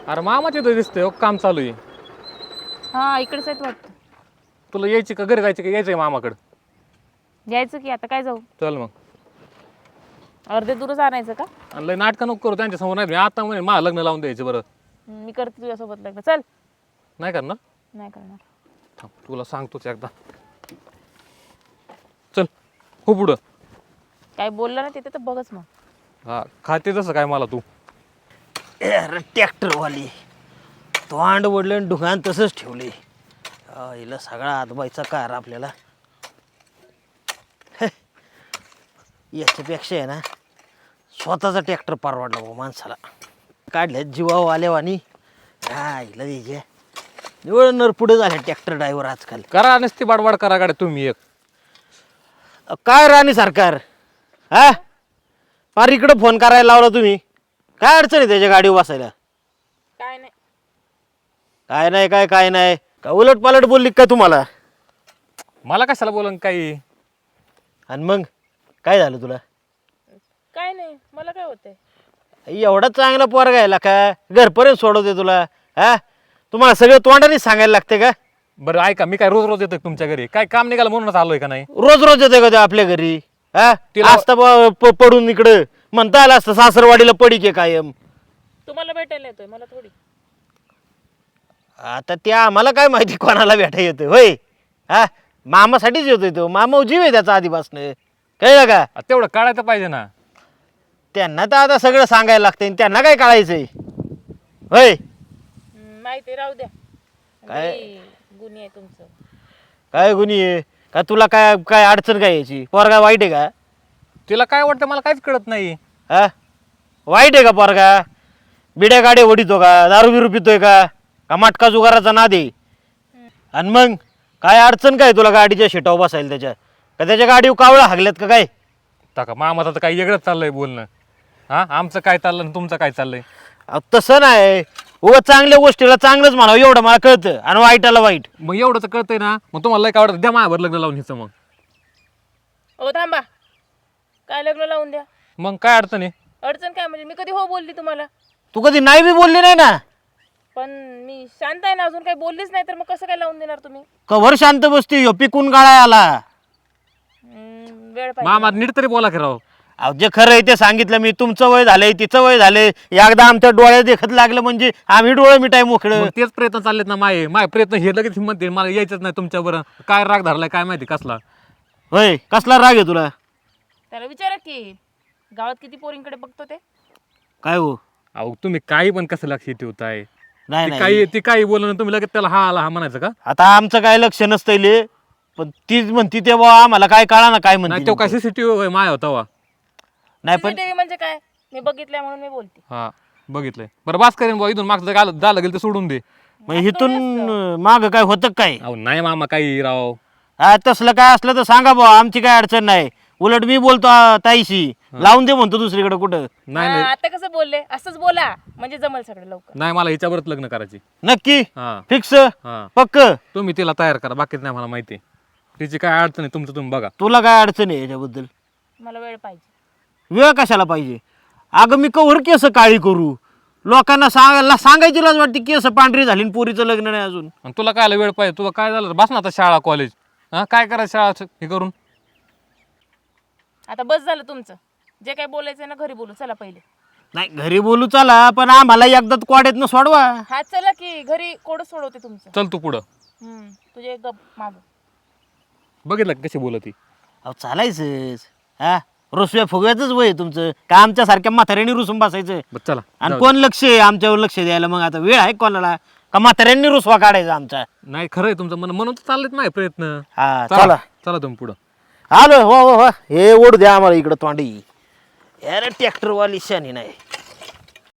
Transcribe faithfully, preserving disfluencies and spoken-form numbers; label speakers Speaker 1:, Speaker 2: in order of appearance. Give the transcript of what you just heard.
Speaker 1: अरे मामा तिथं दिसतंय हो, काम चालू आहे.
Speaker 2: हा इकडेच आहेत वाटतं.
Speaker 1: तुला यायची का घरी जायची का यायचंय मामाकडं?
Speaker 2: यायचं की आता काय जाऊ,
Speaker 1: चल मग.
Speaker 2: अर्धे दूरच आणायचं का?
Speaker 1: आणि लय नाटकं नको करू त्यांच्या समोर. नाही मी आता म्हणे मला लग्न लावून द्यायचं बरं.
Speaker 2: हम्म, मी करते तुझ्यासोबत लग्न. चल.
Speaker 1: नाही करणार?
Speaker 2: नाही करणार.
Speaker 1: थांब तुला सांगतोच एकदा. चल हो पुढं.
Speaker 2: काय बोललं ना तिथे तर बघच मग.
Speaker 1: हा खाते तसं काय मला तू.
Speaker 3: अरे ट्रॅक्टरवाली तोंड वडलं आणि दुकान तसंच ठेवले. हिला सगळा आजबाईचा कार आपल्याला. हे, याच्यापेक्षा आहे ना स्वतःचा ट्रॅक्टर परवडला भाऊ माणसाला. काढल्या जीवाव आल्यावानी हा हिला द्यायचे निवड नर पुढे झाले ट्रॅक्टर ड्रायव्हर आजकाल.
Speaker 1: करा नसती बाडबाड करा गाड्या तुम्ही एक.
Speaker 3: अ, काय राणी सरकार हा फार इकडं फोन करायला लावला तुम्ही. काय अडचण आहे त्याच्या गाडीवर बसायला?
Speaker 2: काय नाही.
Speaker 3: काय नाही काय काय नाही का उलट पालट बोलली का तुम्हाला?
Speaker 1: मला कशाला बोलन काही.
Speaker 3: आणि मग काय झालं तुला?
Speaker 2: काय नाही मला काय होतंय.
Speaker 3: एवढा चांगला पोरगा आहे का घरपर्यंत सोडवते तुला? हा तुम्हाला सगळं तोंडाने सांगायला लागते का?
Speaker 1: बरं ऐका मी काय रोज रोज येतो तुमच्या घरी? काय काम निघालं म्हणूनच आलोय का नाही?
Speaker 3: रोज रोज येते का ते आपल्या घरी? हा
Speaker 1: तिला-
Speaker 3: असता ब- प- पडून इकडं म्हणता आलं असतं सासरवाडीला पडी के कायम.
Speaker 2: तुम्हाला भेटायला येतोय मला थोडी.
Speaker 3: आता त्या आम्हाला काय माहिती कोणाला भेटा येतोय होय? हा मामासाठीच येतोय तो. मामा जीव आहे त्याचा आधीपासनं. कळलं का?
Speaker 1: आ, तेवढं काढायचं पाहिजे ना.
Speaker 3: त्यांना तर आता सगळं सांगायला लागतंय. त्यांना काय कळायचंय होय?
Speaker 2: हम्म, माहिती राहू द्या.
Speaker 3: काय?
Speaker 2: लई गुन्हे आहे तुमचं.
Speaker 3: काय गुन्हे आहे? का तुला काय काय अडचण काय याची? पोरगा वाईट आहे का?
Speaker 1: तिला काय वाटतं मला काहीच कळत नाही.
Speaker 3: हा वाईट आहे का पोरगा? बिड्या गाड्या ओढितो का? दारू बिरू पितोय का? का मटका जुगाराचा नाद आहे? आणि मग काय अडचण काय तुला गाडीच्या शिटावर बसायला त्याच्या? का त्याच्या गाडीवर कावळा हागल्यात का काय?
Speaker 1: टाका मामाचं तर काही वेगळंच चाललंय बोलणं. हा आमचं काय चाललं आणि तुमचं काय चाललंय?
Speaker 3: अहो, तसं नाही. उगा चांगल्या गोष्टीला चांगलंच म्हणावं एवढं मला कळतं आणि वाईटाला वाईट.
Speaker 1: मग एवढं तर कळतंय ना. मग तुम्हाला लय काय आवडतं द्या माझ्यावर लग्न लावून हिचं. मग
Speaker 2: ओ थांबा. काय लग्न लावून द्या?
Speaker 1: मग काय अडचण आहे?
Speaker 2: अडचण काय म्हणजे मी कधी हो बोलली तुम्हाला?
Speaker 3: तू कधी नाही बी बोलली नाही ना.
Speaker 2: पण मी शांत आहे ना अजून काही बोललीच नाही तर मग कसं काय लावून देणार तुम्ही?
Speaker 3: कवर शांत बसती ह्यो पिकून गाळाय आला.
Speaker 2: हम्म, वेळ पाहिजे.
Speaker 1: मामा नीट तरी बोला की राव.
Speaker 3: अहो जे खरं आहे ते सांगितलं मी. तुमचं वय झालंय तिचं वय झालंय. एकदा आमच्या डोळ्यात देखत लागलं म्हणजे आम्ही डोळे मिटाय मोकळं.
Speaker 1: मग तेच प्रयत्न चाललेत ना माये. माय प्रयत्न हे लगेच हिंमत दे मला यायचंच नाही तुमच्या बरं. काय राग धरलाय काय माहिती कसला.
Speaker 3: होय कसला राग आहे तुला?
Speaker 2: त्याला विचारा की गावात किती पोरींकडे बघतो ते.
Speaker 3: काय हो?
Speaker 1: अहो तुम्ही काही पण कसं लक्ष ठेवताय?
Speaker 3: नाही
Speaker 1: ती
Speaker 3: नाही
Speaker 1: काही ती काही बोलणं तुम्ही लगेच त्याला हा आला हा म्हणायचं का?
Speaker 3: आता आमचं काय लक्ष नसतंय. पण तीच म्हणती ते बा आम्हाला काय कळा ना काय
Speaker 1: नाही
Speaker 3: म्हणते
Speaker 1: तो काय सीसीटीव्ही माय होता वा.
Speaker 3: नाही पण
Speaker 2: सीसीटीव्ही म्हणजे काय? मी बघितलंय म्हणून मी बोलते.
Speaker 1: हा बघितलंय. बरं बास करेन बुवा इथून मागचं काय झालं गेलं ते सोडून दे.
Speaker 3: मग इथून माग काय होतं काय?
Speaker 1: अहो नाही मामा काही राव.
Speaker 3: हा तसलं काय असलं तर सांगा बुवा. आमची काय अडचण नाही. उलट मी बोलतो आ, ताईशी लावून दे म्हणतो दुसरीकडे कुठं.
Speaker 1: नाही
Speaker 2: हा,
Speaker 1: नाही
Speaker 2: आता कसं बोलले असंच बोला म्हणजे जमल सगळं लवकर.
Speaker 1: नाही मला हिच्यावरच लग्न करायची.
Speaker 3: नक्की
Speaker 1: हा
Speaker 3: फिक्स
Speaker 1: हा
Speaker 3: पक्क?
Speaker 1: तुम्ही तिला तयार करा बाकीच नाही मला माहिती. तिची काय अडचण आहे तुमचं तुम्ही बघा.
Speaker 3: तुला काय अडचण आहे याच्याबद्दल?
Speaker 2: मला वेळ पाहिजे.
Speaker 3: वेळ कशाला पाहिजे? अगं मी कवर केस काळी करू? लोकांना सांगायला सांगायची लाज वाटते केस पांढरी झाली आणि पोरीचं लग्न नाही अजून.
Speaker 1: आणि तुला काय वेळ पाहिजे? तुला काय झालं बस ना आता शाळा कॉलेज. हा काय करायचं शाळा हे करून?
Speaker 2: आता बस झालं तुमचं. जे काय बोलायचंय ना घरी बोलू. चला पहिले.
Speaker 3: नाही घरी बोलू चला पण आम्हाला एकदाच कोड्यातनं सोडवा.
Speaker 2: हा चला की घरी कोड सोडवते तुमचं.
Speaker 1: चल तू पुढं.
Speaker 2: हम्म, तुझे गप माग.
Speaker 1: बघितलं का कशी बोलत ती?
Speaker 3: अहो चालायचंच. हा रुसव्या फुगव्याचंच वय आहे तुमचं. का आमच्यासारख्या म्हाताऱ्यांनी रुसून बसायचं?
Speaker 1: बरं चला
Speaker 3: आणि
Speaker 1: जाऊ
Speaker 3: कोण लक्ष आहे आमच्यावर लक्ष द्यायला? मग आता वेळ आहे कोणाला? का म्हाताऱ्यांनी रुसवा काढायचा आमचा?
Speaker 1: दे. नाही खरं आहे तुमचं मन म्हणून तर चाललेत माझे प्रयत्न.
Speaker 3: हा
Speaker 1: चला
Speaker 3: चला
Speaker 1: चला तुम्ही पुढं.
Speaker 3: आलो. हो हो हो हे ओढ द्या आम्हाला इकडं तोंडी. अरे ट्रॅक्टरवाली शानी नाही.